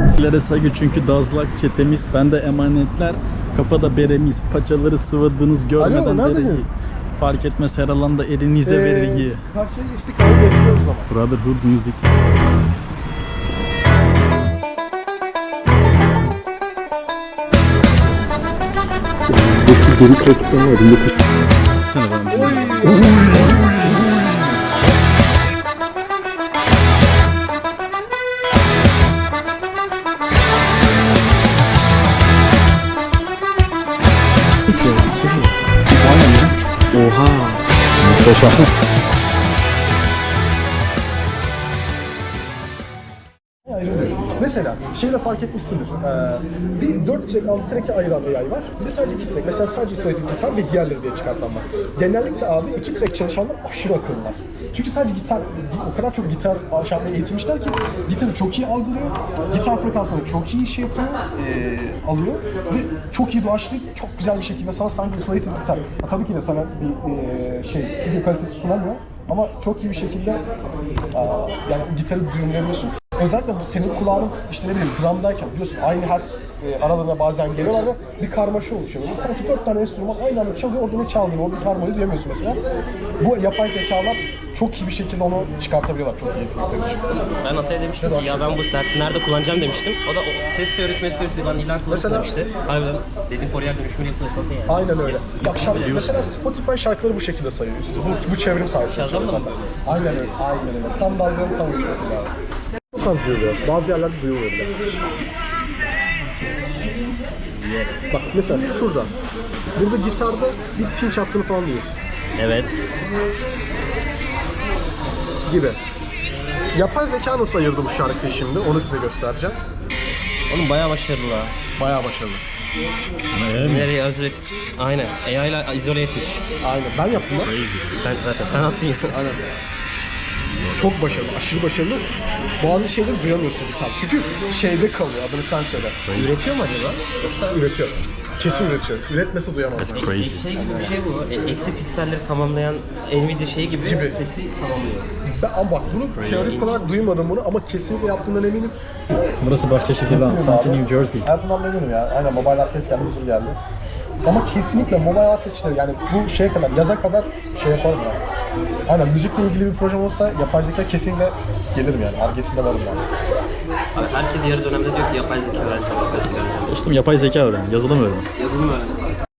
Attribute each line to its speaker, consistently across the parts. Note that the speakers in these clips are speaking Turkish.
Speaker 1: Lere saygı çünkü dazlak çetemiz, bende emanetler, kafada beremiz, paçaları sıvadınız görmeden dereyi. Fark etmez her alanda elinize vergi.
Speaker 2: Karşıya geçtik abi, bekliyoruz ama.
Speaker 1: Brotherhood Music.
Speaker 2: Şu geri trakitten var. 19...
Speaker 1: Oha. Muhteşem.
Speaker 2: Mesela şeyi de fark etmişsindir. Bir 4 track, 6 track'e ayıran bir yay var. Bir de sadece 2 track. Mesela sadece isolated gitar ve diğerleri diye çıkartan var. Genellikle abi 2 track çalışanlar aşırı akıllılar. Çünkü sadece gitar, o kadar çok gitar çalmaya eğitilmişler ki gitarı çok iyi algılıyor. Gitar frekansını çok iyi şey yapıyor, alıyor ve çok iyi doğaçlayıp çok güzel bir şekilde sana sanki isolated gitar. Tabii ki de sana bir stüdyo kalitesi sunamıyor. Ama çok iyi bir şekilde yani gitarı düğümleyebiliyorsun. Özellikle senin kulağın işte ne bileyim drumdayken biliyorsun aynı hertz aralarına bazen geliyorlar ve bir karmaşa oluşuyor. Böyle sanki 4 tane enstrüman aynı anda çalıyor, orada ne çaldığını, oradaki harmoniyi duyamıyorsun mesela. Bu yapay zekalar çok iyi bir şekilde onu çıkartabiliyorlar, çok iyi yetenekleri için.
Speaker 3: Ben Atay'a demiştim ki ya ben bu dersi nerede kullanacağım demiştim. O da ses teorisi bana ilan kullanırsın demişti. Harbiden dediğim Fourier dönüşümünü yapıyor zaten yani.
Speaker 2: Aynen öyle. Bak mesela Spotify şarkıları bu şekilde sayıyor. Bu çevrim sayesinde.
Speaker 3: Shazam'da mı?
Speaker 2: Aynen öyle. Tam dalganın tam uçması lazım. Çok az duyuluyor. Bazı yerlerde duyuluyor bile. Bak mesela şurada. Burada gitarda bir pinch attığını falan duyuyorsun.
Speaker 3: Evet.
Speaker 2: Gibi. Yapay zeka nasıl ayırdı bu şarkıyı şimdi? Onu size göstereceğim.
Speaker 3: Oğlum bayağı başarılı ha.
Speaker 2: Bayağı başarılı.
Speaker 3: Nereye izole et? Aynen. AI ile izole etmiş.
Speaker 2: Aynen. Ben yaptım lan.
Speaker 3: Sen attın ya.
Speaker 2: Aynen. Çok başarılı, aşırı başarılı. Bazı şeyleri duyamıyorsun gitar. Çünkü şeyde kalıyor, adını sen söyle.
Speaker 3: Üretiyor mu acaba?
Speaker 2: Yoksa üretiyor. Kesin üretiyor. Üretmesi duyamaz.
Speaker 3: Şey gibi bir şey bu. Eksi pikselleri tamamlayan Nvidia şeyi gibi sesi tamamlıyor.
Speaker 2: Ama bak bunu teorik olarak duymadım bunu ama kesinlikle yaptığından eminim.
Speaker 1: Burası Bahçeşehir lan, sanki New Jersey.
Speaker 2: Hayatımdan memnunum ya. Aynen Mobile Art Fest geldi, uzun geldi. Ama kesinlikle Mobile Art Fest işte yani bu şeye kadar, yaza kadar şey yaparım ya. Aynen müzikle ilgili bir projem olsa yapay zeka kesinlikle gelirim yani. Argesinde varım yani.
Speaker 3: Abi herkes yarı dönemde diyor ki yapay zeka öğreneceğim, yapay zeka öğreneceğim.
Speaker 1: Dostum yapay zeka öğren, yazılım öğren.
Speaker 3: Yazılım öğrendim.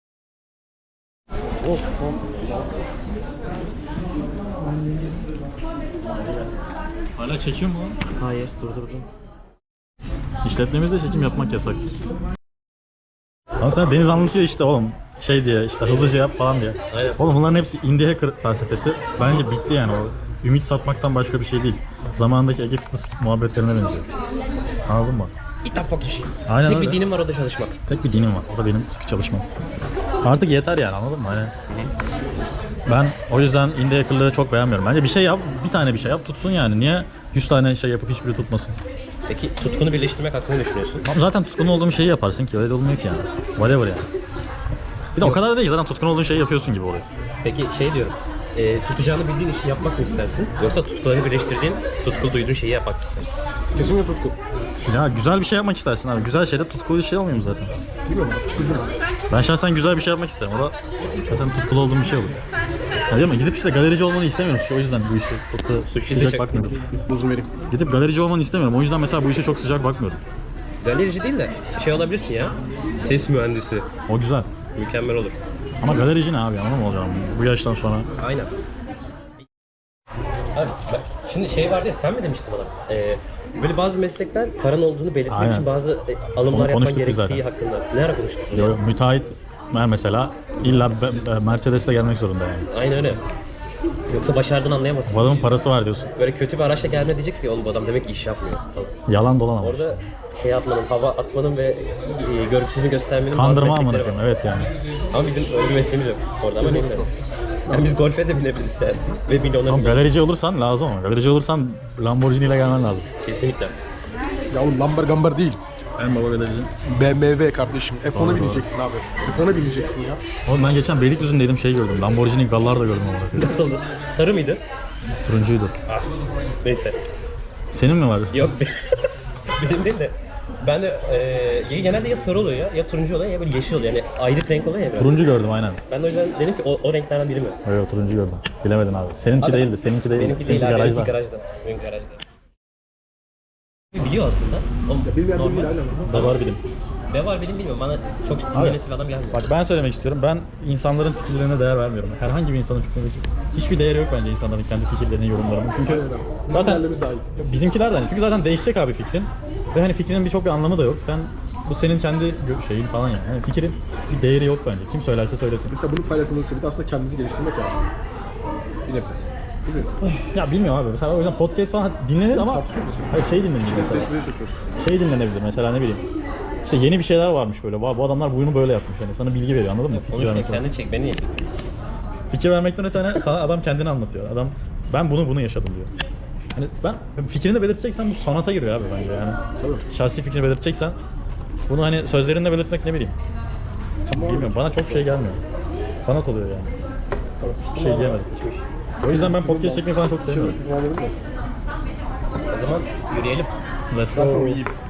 Speaker 1: Hala çekiyor mu?
Speaker 3: Hayır, durdurdum.
Speaker 1: İşletmemizde çekim yapmak yasaktır. Lan sen Deniz anlatıyor işte oğlum şey diye işte hızlıca yap falan diye.
Speaker 3: Aynen.
Speaker 1: Oğlum bunların hepsi indie hacker felsefesi. Bence bitti yani o. Ümit satmaktan başka bir şey değil. Zamanındaki Ege Fitness muhabbetlerine benziyor. Anladın mı?
Speaker 3: It the fuck shit.
Speaker 1: Aynen
Speaker 3: Tek
Speaker 1: öyle.
Speaker 3: bir dinim var, o da çalışmak.
Speaker 1: Tek bir dinim var. O da benim sıkı çalışmam. Artık yeter yani, anladın mı? Hani ben o yüzden indie hackerları çok beğenmiyorum. Bence bir şey yap, bir tane bir şey yap tutsun yani. Niye 100 tane şey yapıp hiçbiri tutmasın?
Speaker 3: Peki tutkunu birleştirmek hakkında ne düşünüyorsun?
Speaker 1: Ama zaten tutkun olduğum şeyi yaparsın ki, öyle de olmuyor ki yani. Whatever yani. Bir de o kadar da değil, zaten tutkun olduğun şeyi yapıyorsun gibi oluyor.
Speaker 3: Peki şey diyorum, tutacağını bildiğin işi yapmak mı istersin? Yoksa tutkuları birleştirdiğin, tutkulu duyduğun şeyi yapmak mı istersin?
Speaker 2: Kesinlikle tutku.
Speaker 1: Ya güzel bir şey yapmak istersin abi. Güzel şeyde tutkulu bir şey olmuyor mu zaten?
Speaker 2: Bilmiyorum.
Speaker 1: Ben şahsen güzel bir şey yapmak isterim. O da zaten tutkulu olduğum bir şey olur. Ya değil mi? Gidip işte galerici olmanı istemiyorum. O yüzden bu işe çok da sıcak bakmıyorum.
Speaker 2: Buzum vereyim.
Speaker 1: Gidip galerici olmanı istemiyorum. O yüzden mesela bu işe çok sıcak bakmıyorum.
Speaker 3: Galerici değil de şey olabilirsin ya, ses mühendisi.
Speaker 1: O güzel.
Speaker 3: Mükemmel olur.
Speaker 1: Ama galerici ne abi, anladın mı olacağım bu yaştan sonra?
Speaker 3: Aynen. Abi bak, şimdi şey vardı ya, sen mi demiştin bana? Böyle bazı meslekler paran olduğunu belirtmek
Speaker 1: Aynen.
Speaker 3: için bazı alımlar
Speaker 1: Onu
Speaker 3: yapman
Speaker 1: konuştuk biz
Speaker 3: gerektiği
Speaker 1: zaten.
Speaker 3: hakkında. Ne ara konuştuk?
Speaker 1: Müteahhit mesela illa Mercedes'le gelmek zorunda yani.
Speaker 3: Aynen öyle. Yoksa başardığını anlayamazsın.
Speaker 1: Bu adamın parası var diyorsun.
Speaker 3: Böyle kötü bir araçla geldiğinde diyeceksin ki oğlum bu adam demek ki iş yapmıyor falan.
Speaker 1: Yalan dolan ama.
Speaker 3: Orada şey yapmanın, hava atmanın ve görgüsüzlüğünü göstermenin
Speaker 1: Kandırma
Speaker 3: bazı
Speaker 1: amına
Speaker 3: meslekleri
Speaker 1: koyayım,
Speaker 3: var.
Speaker 1: evet yani.
Speaker 3: Ama bizim öyle bir mesleğimiz yok orada, ama neyse. Yani biz golfe de binebiliriz yani. Ve milyonlar
Speaker 1: Ama galerici olursan lazım ama. Galerici olursan Lamborghini ile gelmen lazım.
Speaker 3: kesinlikle.
Speaker 2: Ya oğlum lambar gambar değil.
Speaker 1: En baba galerici.
Speaker 2: BMW kardeşim. F10'a bineceksin abi. F10'a bineceksin ya.
Speaker 1: Oğlum ben geçen Beylikdüzü'ndeydim şey gördüm. Lamborghini Gallar da gördüm orada.
Speaker 3: Nasıldı? Sarı mıydı?
Speaker 1: Turuncuydu.
Speaker 3: Ah, neyse.
Speaker 1: Senin mi var?
Speaker 3: Yok benim değil de Ben de genelde ya sarı oluyor ya turuncu oluyor ya böyle yeşil oluyor. Yani ayrık renk oluyor ya biraz.
Speaker 1: Turuncu gördüm aynen.
Speaker 3: Ben de o yüzden dedim ki o renklerden biri mi?
Speaker 1: Evet turuncu gördüm. Bilemedin abi. Seninki
Speaker 3: Abi,
Speaker 1: değildi. Seninki değildi.
Speaker 3: Benimki değil abi,
Speaker 1: garajda.
Speaker 3: benimki garajda. Benim garajda. Biliyor aslında. O
Speaker 2: Bilmeyen
Speaker 3: normal.
Speaker 2: bilmeyen aynen.
Speaker 1: Da var bilim.
Speaker 3: Ne var benim bilmiyorum. Bana çok
Speaker 1: Abi,
Speaker 3: dinlemesi bir adam gelmiyor.
Speaker 1: Bak ben söylemek istiyorum. Ben insanların fikirlerine değer vermiyorum. Herhangi bir insanın fikrine hiçbir değeri yok bence insanların kendi fikirlerinin, yorumlarının. Çünkü
Speaker 2: Bizim
Speaker 1: zaten
Speaker 2: değerlerimiz daha iyi.
Speaker 1: bizimkilerden. Çünkü zaten değişecek abi fikrin. Ve hani fikrinin birçok bir anlamı da yok. Bu senin kendi şeyin falan yani. Yani fikrin bir değeri yok bence. Kim söylerse söylesin.
Speaker 2: Mesela bunu paylaşmanın sebebi de aslında kendimizi geliştirmek yani. Bir nebze. Bizim.
Speaker 1: Ya bilmiyorum abi. Mesela o yüzden podcast falan dinlenir ama
Speaker 2: Tartışıyoruz.
Speaker 1: hayır şey dinlenir mesela.
Speaker 2: Tecrübe çalışıyoruz.
Speaker 1: Şey dinlenebilir mesela ne bileyim. İşte yeni bir şeyler varmış böyle. Bu adamlar bunu böyle yapmış yani. Sana bilgi veriyor anladın mı? Fikir
Speaker 3: Konuşma
Speaker 1: vermekten.
Speaker 3: kendini çek beni.
Speaker 1: Fikir vermekten öte hani sana adam kendini anlatıyor. Adam ben bunu yaşadım diyor. Hani ben fikrini belirteceksen bu sanata giriyor abi bence yani.
Speaker 2: Tabii.
Speaker 1: Şahsi fikrini belirteceksen bunu hani sözlerinle belirtmek ne bileyim. Bilmiyorum bana çok şey gelmiyor. Sanat oluyor yani. Bir şey diyemedim. O yüzden ben podcast çekmeyi falan çok seviyorum.
Speaker 2: Siz var mı?
Speaker 3: O zaman yürüyelim.
Speaker 1: Let's go.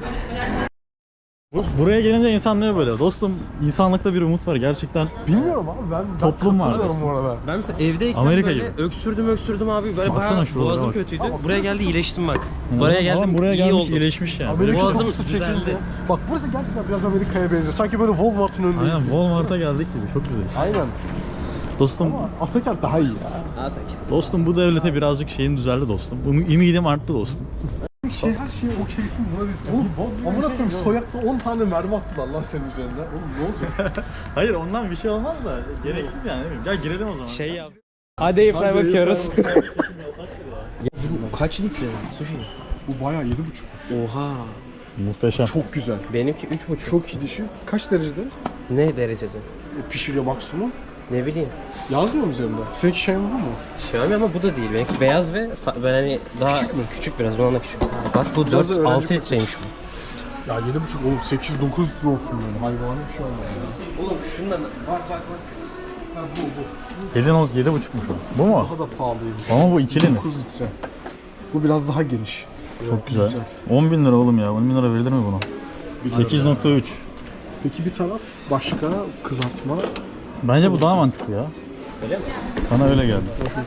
Speaker 1: Buraya gelince insan ne böyle? Dostum insanlıkta bir umut var gerçekten.
Speaker 2: Bilmiyorum abi ben
Speaker 1: Toplum var.
Speaker 2: katılıyorum bu arada.
Speaker 3: Ben mesela evdeyken
Speaker 1: Amerika
Speaker 3: böyle
Speaker 1: gibi.
Speaker 3: öksürdüm abi. Böyle
Speaker 1: Baksana
Speaker 3: bayağı
Speaker 1: şuralara
Speaker 3: boğazım
Speaker 1: bak.
Speaker 3: kötüydü. Buraya geldi iyileştim bak. Buraya geldim
Speaker 1: Adam buraya
Speaker 3: iyi
Speaker 1: gelmiş
Speaker 3: oldum.
Speaker 1: iyileşmiş yani.
Speaker 2: Amerika
Speaker 3: Boğazım
Speaker 2: kokusu
Speaker 3: düzeldi.
Speaker 2: çekildi. Bak burası gerçekten biraz Amerika'ya benziyor. Sanki böyle Walmart'ın önündeyiz.
Speaker 1: Aynen Walmart'a geldik gibi çok güzel.
Speaker 2: Aynen.
Speaker 1: Dostum
Speaker 2: Ama Atakent daha iyi ya.
Speaker 1: dostum bu devlete birazcık şeyin düzeldi dostum. Ümidim arttı dostum.
Speaker 2: Her şeyi okeysin buna biz. Oğlum amına koyayım soyakta 10 tane mermi attılar lan senin üzerinde. Oğlum ne olacak?
Speaker 1: Hayır ondan bir şey olmaz da gereksiz yani değil mi? Gel girelim o zaman.
Speaker 3: Şey yap. Hadi Airfry'e bakıyoruz.
Speaker 2: Kaç?
Speaker 3: Kaç litre sushi?
Speaker 2: Bu bayağı 7,5.
Speaker 3: Oha.
Speaker 1: Muhteşem.
Speaker 2: Çok güzel.
Speaker 3: Benimki 3,5.
Speaker 2: Çok iyi dişi. Kaç derecede?
Speaker 3: Ne derecede?
Speaker 2: Pişiriyor maksimum.
Speaker 3: Ne bileyim.
Speaker 2: Yazmıyor mu üzerinde? Seninki şey mi bu mu?
Speaker 3: Xiaomi ama bu da değil. Benimki beyaz ve ben hani daha
Speaker 2: Küçük mü?
Speaker 3: Küçük biraz. Bundan da küçük. Bak bu
Speaker 2: Biraz da
Speaker 3: 4
Speaker 2: öğrenci
Speaker 3: 6 litreymiş bu.
Speaker 2: Ya 7,5 oğlum 8-9 litre olsun yani. Hayvani bir şey olmaz ya.
Speaker 3: Oğlum şundan bak.
Speaker 2: Ha bu.
Speaker 1: 7,5'muş o. Bu mu?
Speaker 2: Daha da pahalıymış.
Speaker 1: Ama bu ikili mi?
Speaker 2: 9 litre. Bu biraz daha geniş.
Speaker 1: Çok güzel. 10 bin lira oğlum ya. 10 bin lira verilir mi buna? 8.3.
Speaker 2: Peki bir taraf başka kızartma.
Speaker 1: Bence bu daha mantıklı ya.
Speaker 3: Öyle mi?
Speaker 1: Bana öyle geldi.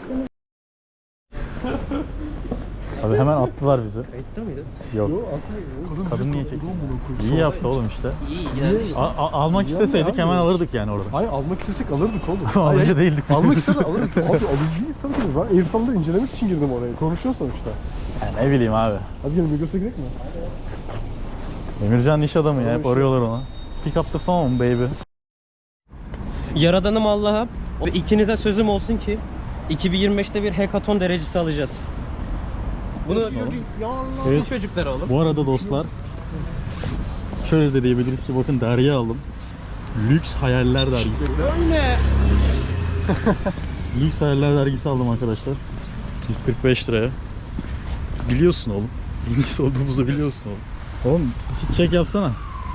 Speaker 1: Abi hemen attılar bizi.
Speaker 3: Kayıtta mıydı?
Speaker 1: Yok. Kadın niye çekti? İyi yaptı oğlum işte.
Speaker 3: İyi yani.
Speaker 1: Almak isteseydik hemen alırdık yani orada.
Speaker 2: Hayır almak istesek alırdık oğlum.
Speaker 1: Alıcı değildik.
Speaker 2: Almak istesek alırdık. Abi alıcı insan değil. Ben Airfry'da incelemek için girdim oraya. Konuşuyor sonuçta.
Speaker 1: Ya ne bileyim abi.
Speaker 2: Hadi gelin Migros'a gidelim mi?
Speaker 1: Emircan iş adamı ya. Hep arıyorlar ona. Pick up the phone baby.
Speaker 3: Yaradanım Allah'a ve ikinize sözüm olsun ki 2025'te bir hekaton derecesi alacağız. Bunu
Speaker 1: Evet.
Speaker 3: çocuklar oğlum.
Speaker 1: Bu arada dostlar şöyle de diyebiliriz ki bakın dergi aldım. Lüks Hayaller dergisi.
Speaker 3: Öyle.
Speaker 1: Lüks Hayaller dergisi aldım arkadaşlar. 145 liraya. Biliyorsun oğlum. İngiliz olduğumuzu biliyorsun oğlum. Oğlum fit check yapsana.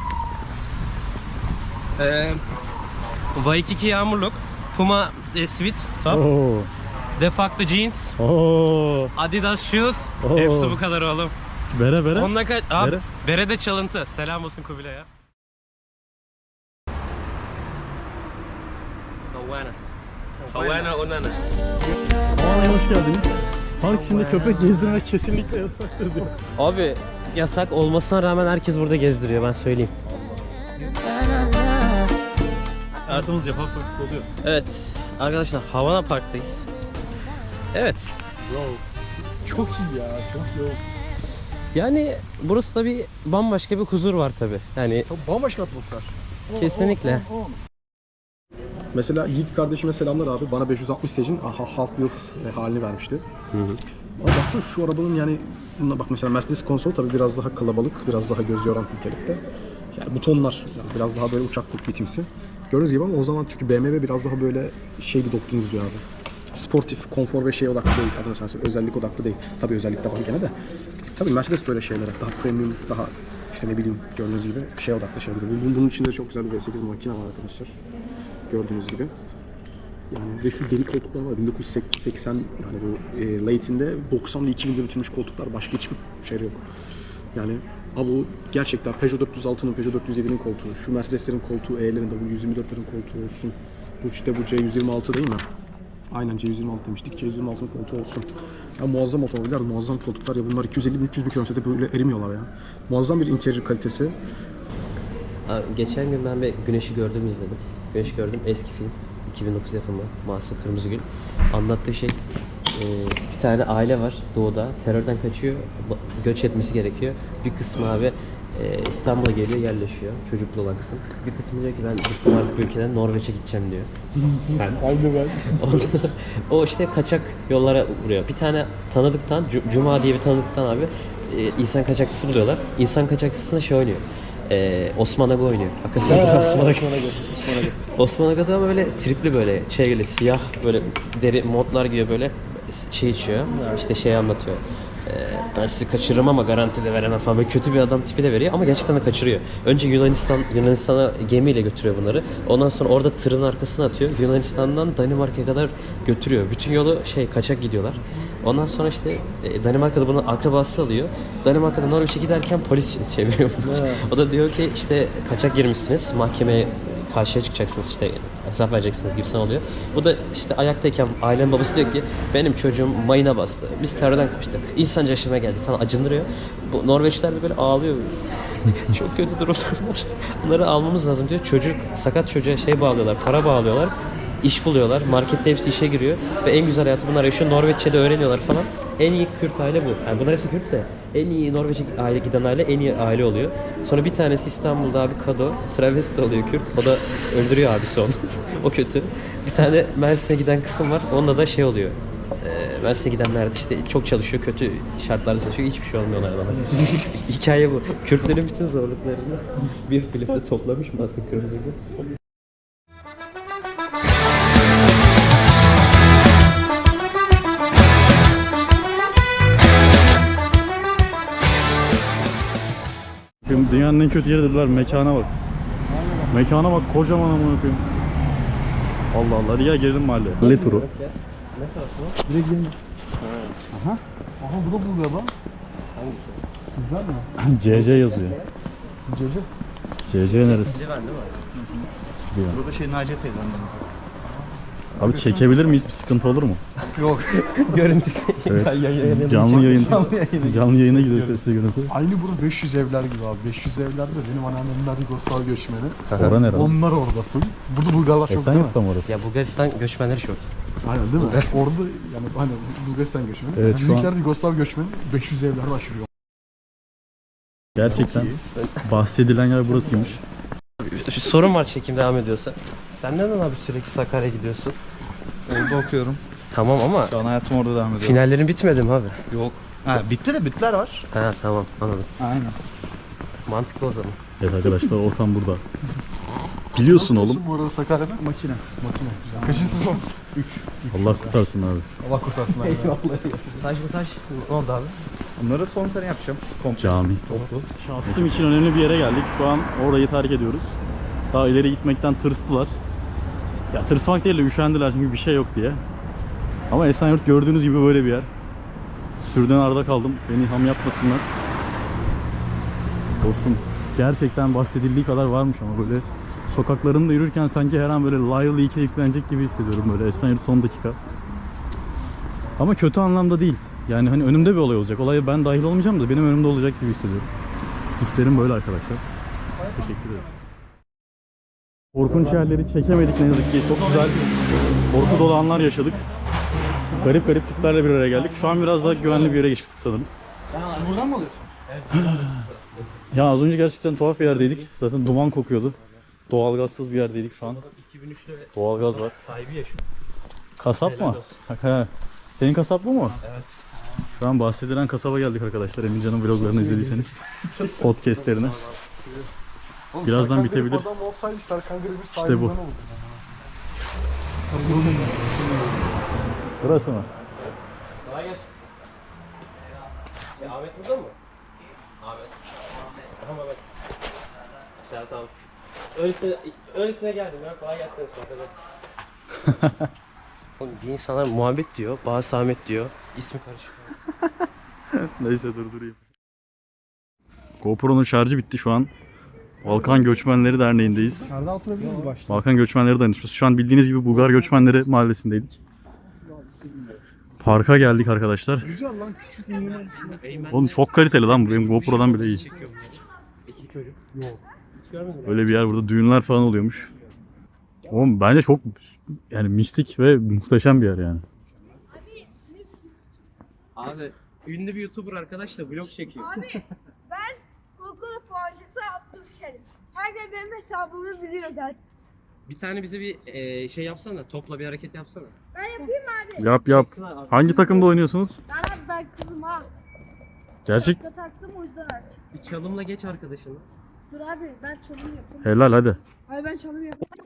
Speaker 3: Waikiki yağmurluk, Puma sweat top,
Speaker 1: Oo.
Speaker 3: Defacto jeans,
Speaker 1: Oo.
Speaker 3: Adidas shoes.
Speaker 1: Oo.
Speaker 3: Hepsi bu kadar oğlum.
Speaker 1: Bere bere.
Speaker 3: Onunla kaç? Abi,
Speaker 1: Bere.
Speaker 3: bere de çalıntı. Selam olsun Kubilay'a. Havana onana.
Speaker 1: Aa, hoş geldiniz. Park içinde köpek gezdirmek kesinlikle yasaktır diyor.
Speaker 3: Abi yasak olmasına rağmen herkes burada gezdiriyor ben söyleyeyim.
Speaker 1: Hayatımız yapar oluyor.
Speaker 3: Evet arkadaşlar Havana Park'tayız. Evet.
Speaker 2: Çok iyi ya. Çok iyi.
Speaker 3: Yani burası tabi bambaşka bir huzur var tabi. Yani
Speaker 2: Çok bambaşka atmosfer.
Speaker 3: kesinlikle.
Speaker 2: Mesela Yiğit kardeşime selamlar abi. Bana 560 Sage'in Hot Wheels halini vermişti. Ama baksana şu arabanın yani bak mesela Mercedes konsol tabii biraz daha kalabalık, biraz daha göz yoran nitelikte. Yani butonlar yani biraz daha böyle uçak kokpitimsi. Gördüğünüz gibi ama o zaman çünkü BMW biraz daha böyle şey bir doktrin izliyor abi. Sportif, konfor ve şey odaklı değil. Adına sensin özellik odaklı değil. Tabii özellik de var gene de. Tabii Mercedes böyle şeylere daha premium, daha işte ne bileyim gördüğünüz gibi şey odaklı şeyler. Bunun içinde çok güzel bir V8 makine var arkadaşlar. Gördüğünüz gibi. Yani ve şu deri koltuklar var. 1980 yani bu late'inde 90'lı 2000'de üretilmiş koltuklar. Başka hiçbir şey yok. Yani Abi o gerçekten Peugeot 406'nın, Peugeot 407'nin koltuğu, şu Mercedes'lerin koltuğu, E'lerin, W124'lerin koltuğu olsun. Bu işte bu C126 değil mi? Aynen C126 demiştik. C126'nın koltuğu olsun. Ya muazzam otomobiller, muazzam koltuklar ya bunlar 250-300 bir kilometrede böyle erimiyorlar ya. Muazzam bir interior kalitesi.
Speaker 3: Abi, geçen gün ben bir Güneş'i Gördüm'ü izledim. Güneş'i Gördüm eski film. 2009 yapımı. Mahsun Kırmızıgül. Anlattığı şey bir tane aile var doğuda. Terörden kaçıyor. Göç etmesi gerekiyor. Bir kısmı abi İstanbul'a geliyor yerleşiyor. Çocuklu olan kısım. Bir kısmı diyor ki ben bıktım artık bu ülkeden Norveç'e gideceğim diyor. Sen.
Speaker 2: Aynı ben.
Speaker 3: O işte kaçak yollara vuruyor. Bir tane tanıdıktan, Cuma diye bir tanıdıktan abi insan kaçakçısı buluyorlar. İnsan kaçakçısına şey oynuyor. Osman Aga oynuyor. Hakikaten Osman Aga. Osman Aga'da ama böyle tripli böyle şeyle siyah böyle deri modlar giyiyor böyle şey içiyor. İşte şey anlatıyor. Ben sizi kaçırırım ama garanti de veremem falan. Böyle kötü bir adam tipi de veriyor ama gerçekten de kaçırıyor. Önce Yunanistan'a gemiyle götürüyor bunları. Ondan sonra orada tırın arkasına atıyor. Yunanistan'dan Danimarka'ya kadar götürüyor. Bütün yolu kaçak gidiyorlar. Ondan sonra işte Danimarka'da bunu akrabası alıyor. Danimarka'da Norveç'e giderken polis çeviriyor. O da diyor ki işte kaçak girmişsiniz. Mahkemeye karşıya çıkacaksınız işte hesap vereceksiniz gibisinden oluyor. Bu da işte ayaktayken ailenin babası diyor ki benim çocuğum mayına bastı. Biz terörden kaçtık. İnsanca yaşamaya geldik falan acındırıyor. Bu Norveçliler de böyle ağlıyor. Çok kötü durumdalar. Bunları almamız lazım diyor. Çocuk sakat çocuğa bağlıyorlar. Para bağlıyorlar. İş buluyorlar. Markette hepsi işe giriyor. Ve en güzel hayatı bunlar yaşıyor. Norveççe'de öğreniyorlar falan. En iyi Kürt aile bu. Yani bunlar hepsi Kürt de. En iyi Norveç'e aile giden aile en iyi aile oluyor. Sonra bir tanesi İstanbul'da abi Kado. Travesti oluyor Kürt. O da öldürüyor abisi onu. O kötü. Bir tane Mersin'e giden kısım var. Onda da oluyor. Mersin'e gidenler de işte çok çalışıyor. Kötü şartlarda çalışıyor. Hiçbir şey olmuyor onlardan. Hikaye bu. Kürtlerin bütün zorluklarını bir filmde toplamış mı aslında Kırmızıgül?
Speaker 1: Dünyanın en kötü yeri dediler, mekana bak. Mekana bak, kocaman amına koyayım. Allah Allah, hadi gel gelelim mahalleye. Ne turu?
Speaker 3: Ne tarafı o?
Speaker 2: Direkt gelin. Aha. Aha bu da buluyor lan.
Speaker 3: Hangisi?
Speaker 2: Güzel mi?
Speaker 1: CC yazıyor.
Speaker 2: Cece.
Speaker 1: CC neresi?
Speaker 3: Silvan değil mi?
Speaker 4: Burada Naciye teyzem.
Speaker 1: Abi çekebilir miyiz? Bir sıkıntı olur mu?
Speaker 2: Yok.
Speaker 3: Görüntü.
Speaker 1: Evet. Canlı yayın. Canlı yayına gidiyor sesli görüntü.
Speaker 2: Aynı bura 500 evler gibi abi. 500 evlerde benim anneannemler Yugoslav göçmeni.
Speaker 1: Orada nerede?
Speaker 2: Onlar orada full. Burada Bulgarlar çok değil mi?
Speaker 1: Esenyurt'ta mı orası?
Speaker 3: Ya Bulgaristan göçmenleri çok.
Speaker 2: Aynen değil mi? Orada yani hani Bulgaristan göçmeni.
Speaker 1: Evet, şu
Speaker 2: Bizimkiler
Speaker 1: an-
Speaker 2: de Yugoslav göçmeni 500 evler aşırıyor.
Speaker 1: Gerçekten bahsedilen yer burasıymış.
Speaker 3: Şu sorun var çekim devam ediyorsa. Sen neden abi sürekli Sakarya'ya gidiyorsun?
Speaker 4: Orada okuyorum.
Speaker 3: Tamam ama
Speaker 4: Şu an hayatım orada devam ediyor.
Speaker 3: finallerin bitmedi mi abi?
Speaker 4: Yok. Ha, bitti de bütler var.
Speaker 3: Ha tamam anladım.
Speaker 4: Aynen.
Speaker 3: Mantıklı o zaman.
Speaker 1: Evet arkadaşlar, ortam burada. Biliyorsun oğlum.
Speaker 2: Bu arada Sakarya'da
Speaker 4: Makine.
Speaker 2: makine. Güzel. Kaçıncı sınıfsın? 3.
Speaker 1: Allah kurtarsın abi.
Speaker 2: Allah kurtarsın abi.
Speaker 3: Staj ne oldu abi?
Speaker 4: Bunları son sene yapacağım. Komple.
Speaker 1: Cami. Şahsım için önemli bir yere geldik. Şu an orayı terk ediyoruz. Daha ileri gitmekten tırstılar. Ya tırsmak değil de üşendiler çünkü bir şey yok diye. Ama Esenyurt gördüğünüz gibi böyle bir yer. Sürden arda kaldım. Beni ham yapmasınlar. Dostum gerçekten bahsedildiği kadar varmış ama böyle sokaklarında yürürken sanki her an böyle Lively 2'ye yüklenecek gibi hissediyorum böyle Esenyurt son dakika. Ama kötü anlamda değil. Yani hani önümde bir olay olacak. Olaya ben dahil olmayacağım da benim önümde olacak gibi hissediyorum. Hislerim böyle arkadaşlar. Teşekkür ederim. Korkunç yerleri çekemedik ne yazık ki. Çok güzel korku dolu anlar yaşadık. Garip garip tiplerle bir araya geldik. Şu an biraz daha güvenli bir yere geçtik sanırım.
Speaker 4: Buradan mı alıyorsun?
Speaker 1: Ya az önce gerçekten tuhaf bir yerdeydik. Zaten duman kokuyordu. Doğalgazsız bir yerdeydik şu an.
Speaker 3: 2003'te
Speaker 1: Doğalgaz var.
Speaker 3: sahibi yaşıyor.
Speaker 1: Kasap mı? He. Senin kasap bu mu? Evet. Şu an bahsedilen kasaba geldik arkadaşlar. Emincan'ın vloglarını izlediyseniz. Podcast'lerine. Birazdan bitebilir.
Speaker 2: Adam olsaydı Serkan Gırgır
Speaker 1: İşte
Speaker 2: sahibinden
Speaker 1: bu.
Speaker 2: olurdu.
Speaker 1: Burası mı?
Speaker 3: Kolay gelsin. Ahmet burada mı? Ahmet. Tamam Ahmet. Tamam. Öylesine geldim ya. Kolay gelsin sohbete. Oğlum bir insanlar Muhammed diyor, bazı Ahmet diyor. İsmi karışık.
Speaker 1: Neyse durdurayım. GoPro'nun şarjı bitti şu an. Balkan Göçmenleri Derneği'ndeyiz.
Speaker 2: Nerede oturabilir mi başta?
Speaker 1: Balkan Göçmenleri Dayanışması. Şu an bildiğiniz gibi Bulgar Göçmenleri Mahallesi'ndeydik. Parka geldik arkadaşlar.
Speaker 2: Güzel lan, küçük minimum.
Speaker 1: Oğlum çok kaliteli lan bu. Benim GoPro'dan bile iyi.
Speaker 3: İki çocuk.
Speaker 1: Böyle bir yer, burada düğünler falan oluyormuş. Oğlum bence çok yani mistik ve muhteşem bir yer yani.
Speaker 3: Abi ünlü bir YouTuber arkadaş da vlog çekiyor.
Speaker 5: Abi ben Google puancısı Abdülkerim. Herkes benim hesabımı biliyor zaten.
Speaker 3: Bir tane bize bir şey yapsana. Topla bir hareket yapsana.
Speaker 5: Ben yapayım mı abi?
Speaker 1: Yap. Hangi takımda oynuyorsunuz?
Speaker 5: Ben kızım ha.
Speaker 1: Gerçek.
Speaker 5: Şapka taktım o yüzden artık.
Speaker 3: Bir çalımla geç arkadaşını.
Speaker 5: Dur abi ben çalım yapayım.
Speaker 1: Helal hadi.
Speaker 5: Abi ben çalım yapayım.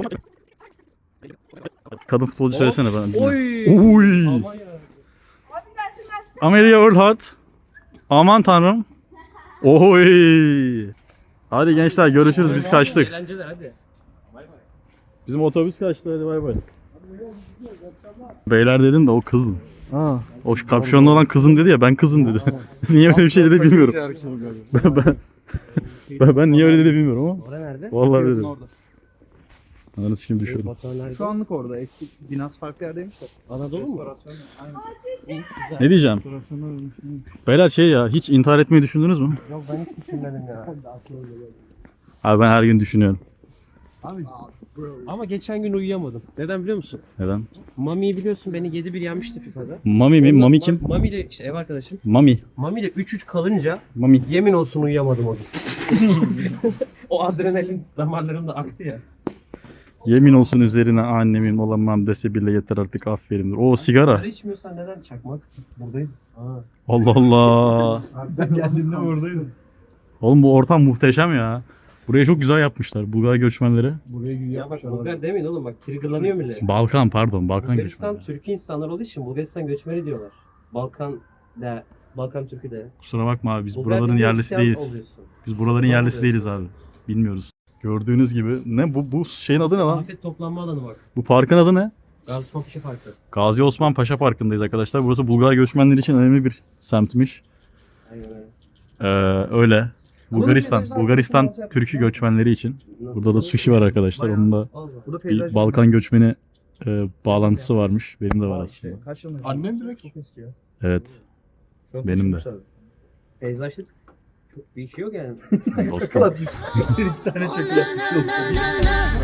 Speaker 1: Kadın futbolcu söylesene bana.
Speaker 3: Oy.
Speaker 1: Oy.
Speaker 5: Abi gelsin.
Speaker 1: Amelia Earhart. Aman tanrım. Oy. Hadi gençler görüşürüz, biz kaçtık.
Speaker 3: Eğlenceler hadi.
Speaker 1: Bizim otobüs kaçtı, hadi bay bay. Beyler dedin de o kızdı. O kapşonlu olan kızım dedi ya, ben kızım dedi. Niye öyle bir şey dedi bilmiyorum. ben niye öyle dedi bilmiyorum ama.
Speaker 3: Orada nerede?
Speaker 1: Vallahi dedim.
Speaker 4: Orada.
Speaker 1: Ananı sikeyim düşürdüm.
Speaker 3: Batuhan nerede?
Speaker 4: Şu anlık orada. Eski binası farklı yerdeymiş de.
Speaker 3: Anadolu mu?
Speaker 4: Aynen.
Speaker 1: Ne diyeceğim? Beyler şey ya, hiç intihar etmeyi düşündünüz mü?
Speaker 3: Yok ben hiç düşünmedim ya.
Speaker 1: Abi ben her gün düşünüyorum.
Speaker 3: Ama geçen gün uyuyamadım. Neden biliyor musun?
Speaker 1: Neden?
Speaker 3: Mami'yi biliyorsun, beni 7-1 yenmişti FIFA'da.
Speaker 1: Mami mi? Mami kim?
Speaker 3: Mami ile işte ev arkadaşım.
Speaker 1: Mami.
Speaker 3: Mami ile 3-3 kalınca
Speaker 1: Mami.
Speaker 3: yemin olsun uyuyamadım o gün. O adrenalin damarlarımda aktı ya.
Speaker 1: Yemin olsun üzerine annemin olamam dese bile yeter artık, afferindir. O sigara.
Speaker 3: Sigara içmiyorsan neden çakmak? Buradayım.
Speaker 1: Allah Allah.
Speaker 4: Ben geldiğimde oradaydım.
Speaker 1: Oğlum bu ortam muhteşem ya. Burayı çok güzel yapmışlar Bulgar göçmenleri.
Speaker 4: Buraya gün
Speaker 3: Ya bak Bulgar demeyin oğlum, bak triggerlanıyor millet.
Speaker 1: Balkan Balkan
Speaker 3: Bulgaristan
Speaker 1: göçmenleri.
Speaker 3: Türk insanlar olduğu için Bulgaristan göçmeni diyorlar. Balkan Türkü de.
Speaker 1: Kusura bakma abi, biz
Speaker 3: Bulgar
Speaker 1: buraların
Speaker 3: dediğin
Speaker 1: yerlisi
Speaker 3: Hristiyan
Speaker 1: değiliz.
Speaker 3: oluyorsun.
Speaker 1: Biz buraların
Speaker 3: Müslüman
Speaker 1: yerlisi değiliz abi. Bilmiyoruz. Gördüğünüz gibi ne bu şeyin adı ne lan?
Speaker 3: Afet toplanma alanı bak.
Speaker 1: Bu parkın adı ne?
Speaker 3: Gazi Paşa Parkı.
Speaker 1: Gazi Osman Paşa Parkı'ndayız arkadaşlar. Burası Bulgar göçmenleri için önemli bir semtmiş.
Speaker 3: Aynen öyle.
Speaker 1: Öyle. Bulgaristan Türk'ü göçmenleri için. Burada da sushi var arkadaşlar. Onun da
Speaker 4: Burada
Speaker 1: bir
Speaker 4: peyzaj.
Speaker 1: Balkan göçmeni bağlantısı varmış. Benim de var aslında.
Speaker 4: Kaç yılında?
Speaker 2: Annem direkt.
Speaker 4: Çok eski ya.
Speaker 1: Evet. Benim de.
Speaker 3: Peyzajlık çok bir şey yok yani.
Speaker 1: Dostum.
Speaker 4: Bir iki tane çekiyor.